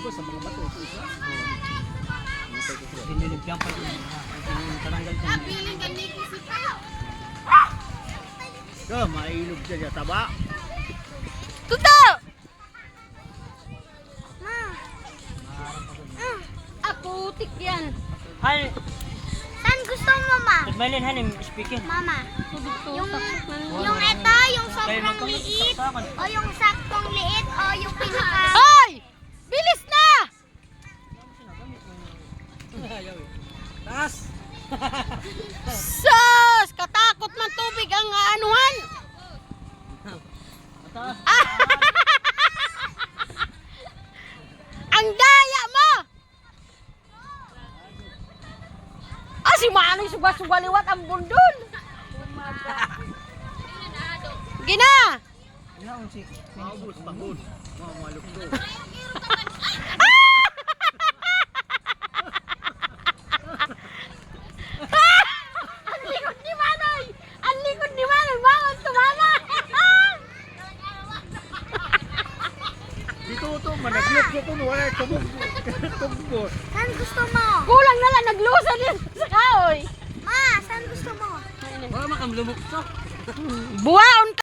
ba sa mga bato ito isa? Dinilibyan pa yun. Taranggal ka. Piling ka ni Kisita. So, mailog siya taba. Tuto! Ma. Putik yan. Han, Saan gusto mo, ma? Maylin, hanim, speaking. Mama, yung ito, yung sobrang liit, o yung saktong liit, o yung pinaka... Hoy! Bilis na! Taas! Sus! Katakot man tubig ang anuhan! Taas! Ang daya mo! Si Manong suga-sugaliwat ang bundol. Gina! Maubos, pagod. Malukto. Ang likod ni Manoy! Ang likod ni Manoy! Bangon, tumama! Dito ito, managlok ko ito. Wala tugbo. Saan gusto mo? Kulang na lang, naglusa din sa kahoy. Ma, saan gusto mo? Wala makamlumok to. Buwaon